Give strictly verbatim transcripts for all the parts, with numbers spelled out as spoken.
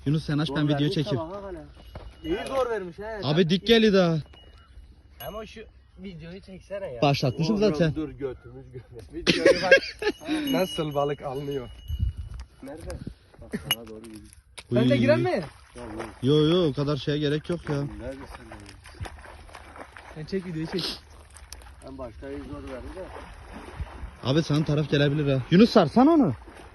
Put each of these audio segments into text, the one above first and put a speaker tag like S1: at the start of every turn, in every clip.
S1: Yunus sen aç, ben video çekeyim.
S2: İyi zor vermiş he.
S1: Abi dik geli daha.
S2: Ama şu videoyu çeksene ya.
S1: Başlatmışım zaten.
S2: Dur götümüz götümüz. Videoyu bak. Nasıl balık alınıyor. Nerede? Bak sana doğru gidiyor. Sen de giren mi?
S1: Yo yo, o kadar şeye gerek yok ya.
S2: Neredesin? Sen çek videoyu çek. Ben başta iyi zor verdi de.
S1: Abi sana taraf gelebilir ha. Yunus sarsan onu.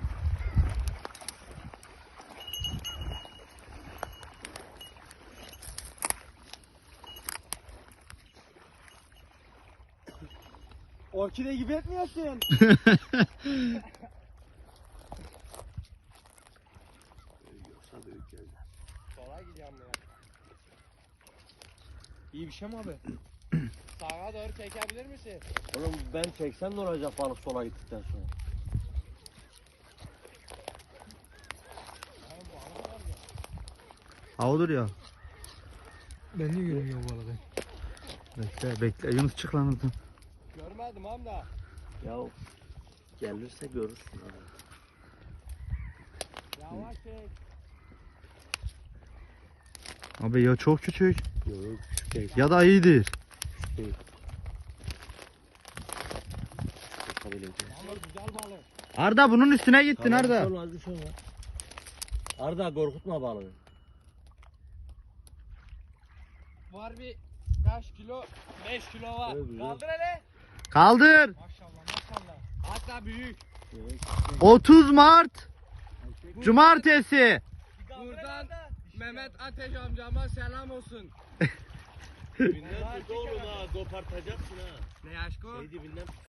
S2: Orkide gibi etmiyorsun. Kolay gidiyorum ya. İyi bir şey mi abi? Sağa doğru çekebilir misin?
S3: Oğlum ben çeksem ne olacak balık sola gittikten sonra?
S1: Ha olur ya.
S2: Ben de görmüyorum bu arada.
S1: Bekle bekle, Yunus çık lan oradan.
S2: Görmedim am da.
S3: Ya gelirse görürsün abi.
S2: Yavaş çek.
S1: Abi ya çok küçük
S3: Yok küçük değil.
S1: ya da iyidir.
S3: Küçük değil. Yapabileceğim.
S2: Ama güzel balık.
S1: Arda bunun üstüne gittin
S3: Tamam,
S1: Arda.
S3: bir şey olmaz, bir şey olmaz. Arda korkutma balığı.
S2: Var bir kaç kilo? beş kilo var.
S3: Evet, güzel.
S2: Kaldır hele.
S1: Kaldır.
S2: Maşallah maşallah. Hatta büyük.
S3: Evet.
S1: otuz Mart Cumartesi.
S2: Buradan Mehmet Ateş amcama selam olsun.
S3: Dibinden tut oğlum ha, kopartacaksın ha.
S2: Ne aşkı?
S3: Şey dibinden tut.